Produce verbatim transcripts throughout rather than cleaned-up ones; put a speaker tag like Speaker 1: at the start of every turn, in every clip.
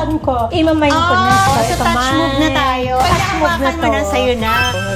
Speaker 1: alam ko. Ima-mindfulness
Speaker 2: Oh,
Speaker 1: ko.
Speaker 2: so touch move na tayo. Pagkahawakan mo na sa'yo na.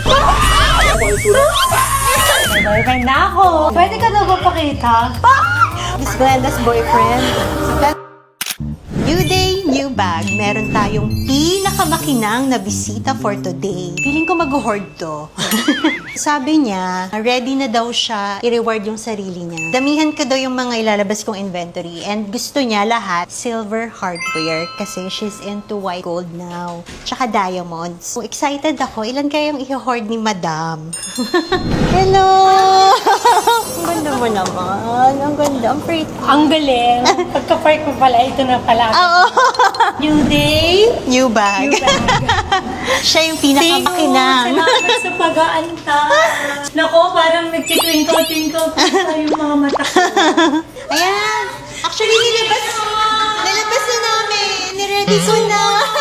Speaker 1: May boyfriend na ako. Pwede ka daw ba pakita?
Speaker 2: Miss Glenda's boyfriend. New day, new bag. Meron tayong pinakamakinang na bisita for today. Feeling ko mag-hoard to. Sabi niya, ready na daw siya i-reward yung sarili niya. Damihan ko daw yung mga ilalabas kong inventory. And gusto niya lahat silver hardware kasi she's into white gold now. Tsaka diamonds. So excited ako. Ilan kayang i-hoard ni Madam? Hello! Ang ganda mo naman. Ang ganda. Ang pretty.
Speaker 1: Ang galing. Pagka-park mo pala, ito na pala.
Speaker 2: Oo.
Speaker 1: New day,
Speaker 2: New bag.
Speaker 1: new bag.
Speaker 2: Siya yung pinakamakinang.
Speaker 1: Salamat sa pag-aanta. Nako, parang nagtitwinkle-twinkle pa yung mga mata ko.
Speaker 2: Ayan. Actually, nilabas, nilabas na namin. Niready ko na.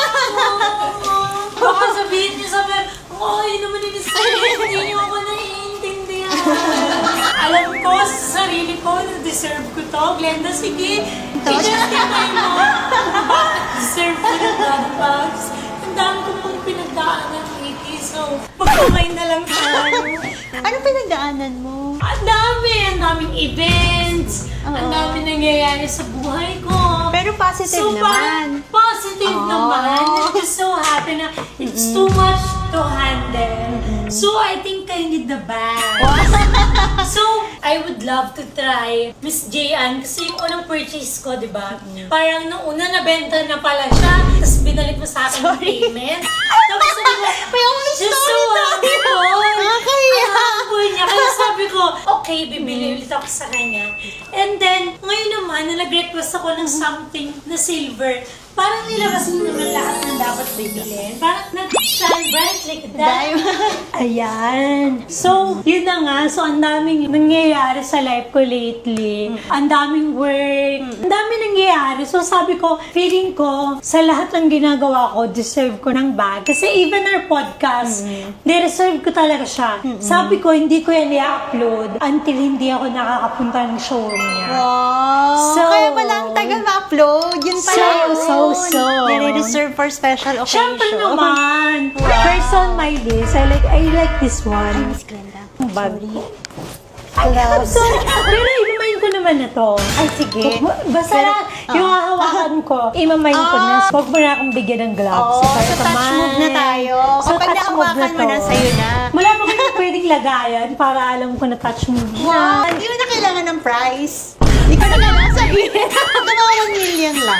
Speaker 1: Baka sabihin niyo sa akin, ay naman in-stress, hindi niyo ako naiintindihan. Alam ko sa sarili ko na deserve ko to. Glenda, sige, i-justify mo. Deserve ko na God bags. Ang dami ko pong pinagdaanan, Nikki. So, magkamay na lang tayo.
Speaker 2: Anong pinagdaanan mo?
Speaker 1: Ang dami! Ang daming events!
Speaker 2: Oo.
Speaker 1: Ang dami nangyayari sa buhay ko.
Speaker 2: Pero positive
Speaker 1: so,
Speaker 2: naman.
Speaker 1: Positive
Speaker 2: Oo.
Speaker 1: naman. I'm just so happy na it's too much to handle. So, I think I need the bag. So, I would love to try Miss Jayan kasi yung unang purchase ko, di ba? Parang nung una nabenta na pala siya, tapos binalik mo sa akin yung payment. Tapos sabi ko,
Speaker 2: May always
Speaker 1: just so
Speaker 2: story tayo.
Speaker 1: humble.
Speaker 2: Nakakaya.
Speaker 1: Ang humble niya. Kaya sabi ko, okay, bibili ulit ako sa kanya. And then, ngayon naman, na nag-request ako ng something na silver, parang nilabas mo naman lahat ng dapat bibilin. Parang nag-shine bright like that. Ayan. So, yun na nga. So, ang daming nangyayari sa life ko lately. Ang daming work. Ang daming nangyayari. So, sabi ko, feeling ko, sa lahat ng ginagawa ko, deserve ko ng bag. Kasi even our podcast, deserve ko talaga siya. Sabi ko, hindi ko yan i-upload until hindi ako nakakapunta ng showroom niya.
Speaker 2: Wow.
Speaker 1: So-
Speaker 2: Kaya pala ang tagal ma-upload. Yun pala
Speaker 1: So,
Speaker 2: yun.
Speaker 1: so, so.
Speaker 2: Nire-reserve for special occasion.
Speaker 1: Siyempre naman.
Speaker 2: Wow.
Speaker 1: First on my list, I like I like this one.
Speaker 2: Miss Glenda.
Speaker 1: Ang bag.
Speaker 2: Sorry.
Speaker 1: I'm sorry. Pero inumayin ko naman na to.
Speaker 2: Ay, sige.
Speaker 1: Basta
Speaker 2: Pero,
Speaker 1: yung hahawakan ko, imamayin ko na. Huwag mo na akong bigyan ng gloves.
Speaker 2: Oo,
Speaker 1: Para
Speaker 2: so touch
Speaker 1: kamay.
Speaker 2: move na tayo.
Speaker 1: So
Speaker 2: Kapag
Speaker 1: touch move
Speaker 2: nahawakan mo
Speaker 1: to.
Speaker 2: na, sa'yo na.
Speaker 1: Wala pa kayo pwedeng lagayan para alam ko na touch move na.
Speaker 2: Wow. Hindi mo na kailangan ng price. Hindi ko na kailangan sabihin. Mga one million lang.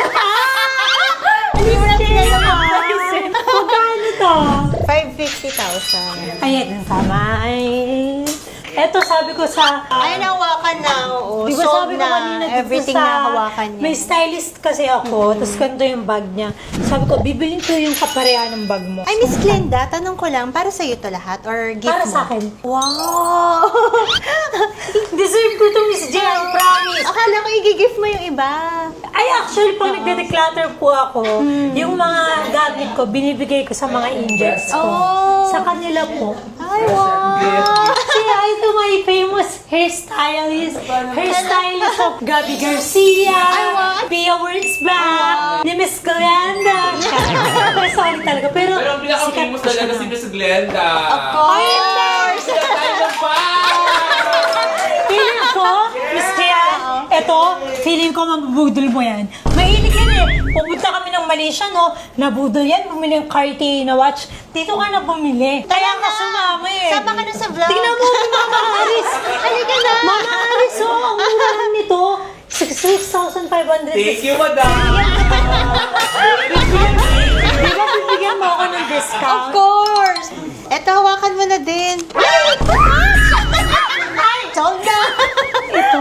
Speaker 2: Hindi mo na kailangan ng price.
Speaker 1: Magkano to?
Speaker 2: five hundred fifty thousand.
Speaker 1: Ayan, tama. Ay. Eto sabi ko sa...
Speaker 2: Ay, nahawakan na. Oo.
Speaker 1: Di ba
Speaker 2: Sold
Speaker 1: sabi ko kanina
Speaker 2: na.
Speaker 1: dito
Speaker 2: Everything
Speaker 1: sa...
Speaker 2: na hawakan niya.
Speaker 1: May stylist kasi ako, tapos ganito yung bag niya. Sabi ko, bibilin ko yung kapareha ng bag mo.
Speaker 2: Ay, Miss Glenda, tanong ko lang, para sa'yo to lahat? Or gift
Speaker 1: Para
Speaker 2: mo?
Speaker 1: sa akin.
Speaker 2: Wow!
Speaker 1: Deserve ko to, Miss J, I promise.
Speaker 2: Akala ko i-gift mo yung iba.
Speaker 1: Ay, actually, pag nagde-declutter po ako, yung mga gamit ko, binibigay ko sa mga angels ko.
Speaker 2: Oh.
Speaker 1: Sa kanila po.
Speaker 2: Ay, wow!
Speaker 1: Say hi to my famous hairstylist, hairstylist of Gabby Garcia,
Speaker 2: wow.
Speaker 1: Pia Wurzbach, ni Miss Glenda. Sorry talaga, pero
Speaker 3: Pero ang pinaka-famous
Speaker 1: sikat
Speaker 3: talaga
Speaker 1: siya
Speaker 3: si
Speaker 1: na.
Speaker 3: Miss Glenda.
Speaker 2: Of course!
Speaker 3: Sila tayo ng bag!
Speaker 1: Feeling ko, Miss Tia, eto, feeling ko mabubudol mo yan. Mahilig yan eh. Pupunta kami ng Malaysia, no? Nabudol yan, bumili ng Cartier na watch. Dito ka na bumili. Kaya ka sumama eh.
Speaker 2: Sama ka na sa vlog.
Speaker 1: Tingnan mo, Mama Aris.
Speaker 2: Halika na.
Speaker 1: Mama Aris, oh, ang mura lang nito. sixty-six thousand five hundred.
Speaker 3: Thank you, madam!
Speaker 1: Di ba bibigyan mo ako ng
Speaker 2: Of
Speaker 1: discount?
Speaker 2: course! Eto, hawakan mo na din. Ay! Sold na!
Speaker 1: Ito.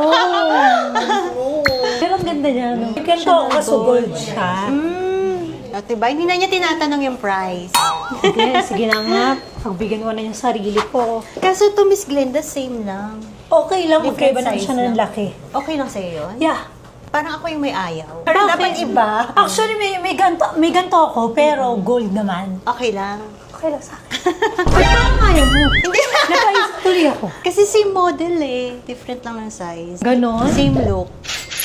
Speaker 1: Pero ang ganda niya, no? Ganito ako kaso gold siya.
Speaker 2: Mm. O, diba? Hindi na niya tinatanong yung price.
Speaker 1: Sige, sige na nga. Pagbigyan ko na yung sarili ko.
Speaker 2: Kaso to Miss Glenda, same lang.
Speaker 1: Okay lang,
Speaker 2: Different
Speaker 1: magkaiba lang
Speaker 2: size
Speaker 1: siya ng
Speaker 2: lang.
Speaker 1: laki.
Speaker 2: Okay lang sa'yo yun?
Speaker 1: Yeah.
Speaker 2: Parang ako yung may ayaw.
Speaker 1: Bakit?
Speaker 2: Dapat iba.
Speaker 1: Actually, may, may, ganto, may ganto ako, pero gold naman.
Speaker 2: Okay lang.
Speaker 1: Okay lang sa akin. Ay, parang ayaw mo.
Speaker 2: Hindi.
Speaker 1: Nakaisip tuloy ako.
Speaker 2: Kasi same model eh. Different lang ng size.
Speaker 1: Ganon?
Speaker 2: Same look.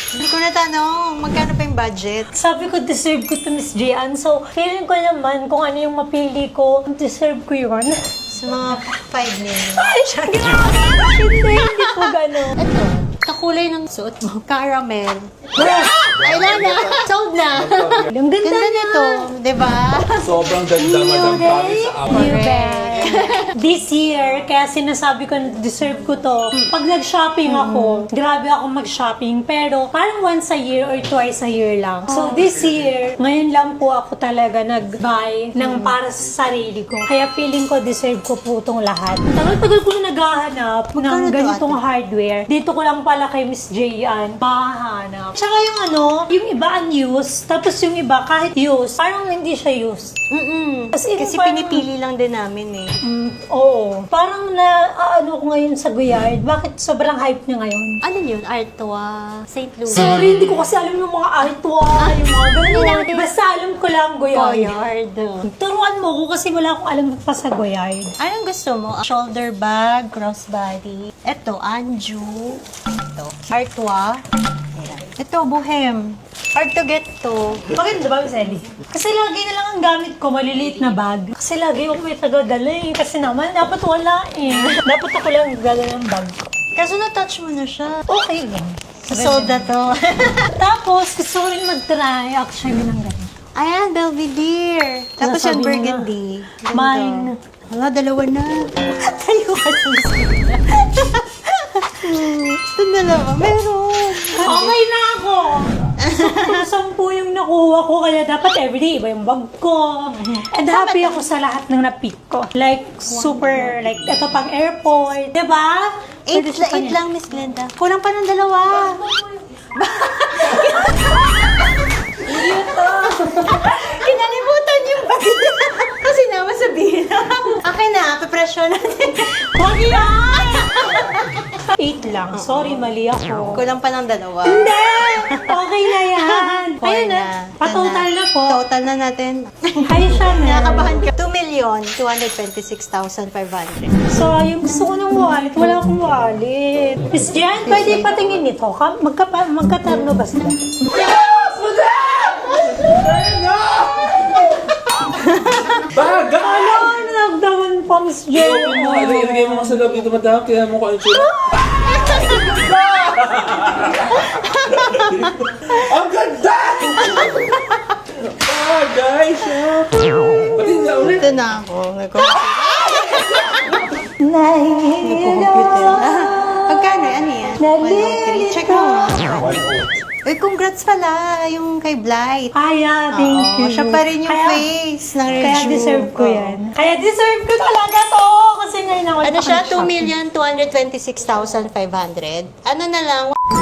Speaker 2: Hindi ko natanong, magkano pa yung budget?
Speaker 1: Sabi ko, deserve ko to Miss Jian. So, feeling ko naman kung ano yung mapili ko, deserve ko yun.
Speaker 2: Sa mga five million.
Speaker 1: Ay, hindi, hindi po gano'n.
Speaker 2: Ito, kakulay ng suot mo. Caramel. Ay, wala na. Sold na.
Speaker 1: Ang ganda,
Speaker 2: Ganda
Speaker 1: na.
Speaker 2: nito, di ba?
Speaker 3: Sobrang ganda, Madam Paris, sa akin.
Speaker 1: New bag. This year, kaya sinasabi ko na deserve ko to. Pag nag-shopping ako, grabe ako mag-shopping. Pero parang once a year or twice a year lang. So this year, ngayon lang po ako talaga nag-buy ng para sa sarili ko. Kaya feeling ko deserve ko po itong lahat. Tagal-tagal ko na naghahanap ng
Speaker 2: Magkano to,
Speaker 1: ganitong hardware. Dito ko lang pala kay Miss Jayan mahahanap. Tsaka yung ano, yung iba unused, tapos yung iba kahit used, parang hindi siya used.
Speaker 2: Mm-mm.
Speaker 1: As in,
Speaker 2: Kasi
Speaker 1: parang-
Speaker 2: pinipili lang din namin eh.
Speaker 1: Mm, oo. Parang na, ano ko ngayon sa Guyard. Bakit sobrang hype niya ngayon?
Speaker 2: Ano yun? Artois, Saint Louis.
Speaker 1: Sorry, hindi ko kasi alam yung mga artwa, yung mga ganun. Basta alam ko lang Guyard.
Speaker 2: Goyard.
Speaker 1: Turuan mo ko kasi wala akong alam pa sa Guyard.
Speaker 2: Anong gusto mo? Shoulder bag, crossbody. Ito, Anju. Ito, Artois. Ayan. Ito, Bohem. Hard to get to.
Speaker 1: Bakit ba, Miss Ellie? Kasi lagi na lang ang gamit ko, maliliit na bag. Kasi lagi ako may taga-dala eh. Kasi naman, dapat wala eh. Dapat ako lang gala ng bag ko.
Speaker 2: Kaso na-touch mo na siya.
Speaker 1: Okay lang.
Speaker 2: Sold na to.
Speaker 1: Tapos, gusto ko rin mag-try actually ng ganyan.
Speaker 2: Ayan, Belvedere. Tapos yung
Speaker 1: Nasabi mo
Speaker 2: burgundy. Ganda.
Speaker 1: Mine.
Speaker 2: Wala, dalawa na. Tayo ka Ito dalawa. Meron.
Speaker 1: Okay na ako! Sampu, sampu yung nakuha ko, kaya dapat everyday iba yung bag ko. And happy ako sa lahat ng na-pick ko. Like, super, like, ito pang airport. Diba?
Speaker 2: Eight,
Speaker 1: Pwede siya
Speaker 2: eight
Speaker 1: pang-
Speaker 2: lang, Miss Glenda. Kulang pa ng dalawa. Kinalimutan yung bag niya. Kasi naman sabihin akin na, papresyo natin.
Speaker 1: Huwag yan! Eight lang. Sorry, mali ako.
Speaker 2: Kulang pa ng dalawa.
Speaker 1: Hindi! Okay na yan.
Speaker 2: Four
Speaker 1: Ayun na. Pa-total na po.
Speaker 2: Total na natin.
Speaker 1: Ay, siya na.
Speaker 2: Nakakabahan ka. two million, two hundred twenty-six thousand five hundred.
Speaker 1: So, yung gusto ko ng wallet, wala akong wallet. Miss Jan, pwede patingin nito. Ka- Magka, magkatarno ba sila?
Speaker 3: Baga!
Speaker 1: Ano, nagdaman pa, Miss Jan.
Speaker 3: Open mo, ano, ilagay mo sa loob dito, Madam. Kaya mo ko ang tsura. Ang ganda! Ah, guys! ah. Pati na ulit.
Speaker 2: Ito na ako. May
Speaker 1: Nahihilo.
Speaker 2: Pagkano? Ano yan?
Speaker 1: Nalilito.
Speaker 2: Check mo. Uy, congrats pala yung kay Blight.
Speaker 1: Kaya, thank
Speaker 2: Oo,
Speaker 1: you.
Speaker 2: siya pa rin yung
Speaker 1: Kaya-
Speaker 2: face ng review.
Speaker 1: Kaya deserve ko
Speaker 2: Oo.
Speaker 1: yan. Kaya deserve ko talaga to. Kasi ngayon ako
Speaker 2: Ano siya? two
Speaker 1: nakaka-shopping.
Speaker 2: million, two hundred twenty-six thousand five hundred. Ano na lang?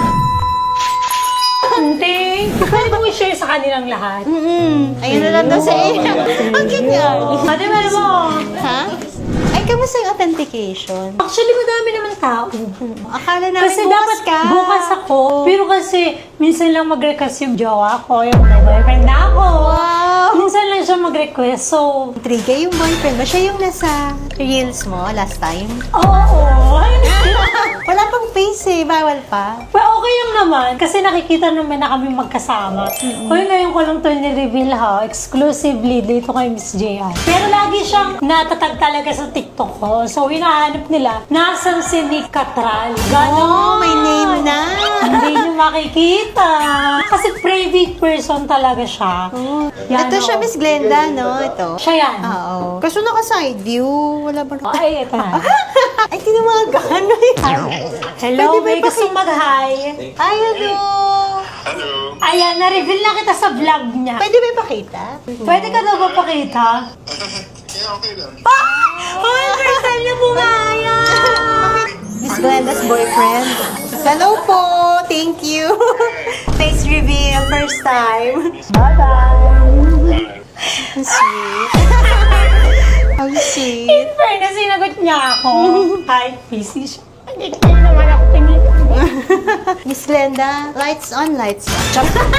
Speaker 1: Thank you. Pwede mong i-share sa kanilang lahat.
Speaker 2: Mm-mm. Ayun na lang daw sa iyo. Ang cute nga.
Speaker 1: Ate, meron mo.
Speaker 2: Ha? Ay, kamusta yung authentication?
Speaker 1: Actually, madami naman tao.
Speaker 2: Akala namin
Speaker 1: Kasi
Speaker 2: bukas
Speaker 1: dapat
Speaker 2: ka.
Speaker 1: bukas ako. Pero kasi, minsan lang mag-request yung jowa ko, yung may boyfriend na ako.
Speaker 2: Wow!
Speaker 1: Minsan lang siya mag-request. So,
Speaker 2: Intriga yung boyfriend mo. Siya yung nasa reels mo last time.
Speaker 1: oo. Ay,
Speaker 2: Wala pang face eh. Bawal pa.
Speaker 1: well, okay lang naman. Kasi nakikita naman na kami magkasama. Hoy, ngayon ko lang ito ni-reveal ha. Exclusively dito kay Miss J. Pero lagi siyang natatag talaga sa TikTok ko. So, hinahanap nila, nasan si Nick Catral? Ganon.
Speaker 2: Oh, may name na.
Speaker 1: Hindi niyo makikita. Kasi private person talaga siya.
Speaker 2: Oh.
Speaker 1: Yan,
Speaker 2: Ito siya,
Speaker 1: oh.
Speaker 2: Miss Glenda, no? Ito.
Speaker 1: Siya yan.
Speaker 2: Oo. Kaso naka-side view. Wala ba?
Speaker 1: Ay, ito na.
Speaker 2: Ay, tinamagan.
Speaker 1: Hello,
Speaker 2: Pwede ba
Speaker 1: may
Speaker 2: ipaki-
Speaker 1: gustong mag-hi.
Speaker 2: Ay, ano?
Speaker 1: Ayan, na-reveal na kita sa vlog niya.
Speaker 2: Pwede ba ipakita?
Speaker 1: Pwede ka daw ba pakita?
Speaker 4: Yeah, okay then.
Speaker 1: Hoy, first time niya bumaya!
Speaker 2: Miss Glenda's boyfriend. Hello po. Thank you. Face reveal. First time.
Speaker 1: Bye-bye!
Speaker 2: How sweet. How sweet.
Speaker 1: In fairness, sinagot niya ako. Hi, busy siya. Hindi kayo naman ako tingin.
Speaker 2: Miss Glenda, lights on, lights on.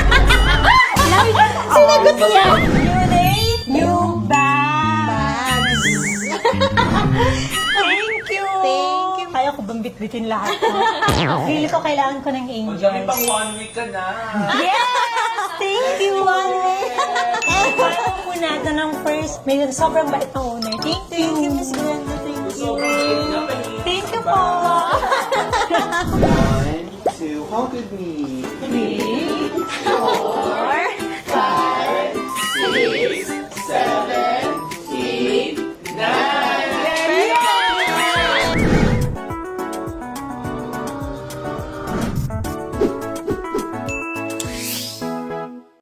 Speaker 1: Sinagot niya. New day, new bags.
Speaker 2: Bags.
Speaker 1: Thank you.
Speaker 2: Thank you.
Speaker 1: Kaya ko bang bitbitin lahat ko. Feeling ko kailangan ko ng
Speaker 3: Ang dami
Speaker 1: angels.
Speaker 3: pang one week ka na.
Speaker 1: Yes! Thank you, Ate! Paano po natin ang first, may sobrang bait na owner. Thank you. Thank you, Miss Glenda. Thank you.
Speaker 3: Sobrang cute na pa eh.
Speaker 1: Thank you po.
Speaker 3: One, two, how could we?
Speaker 1: Three.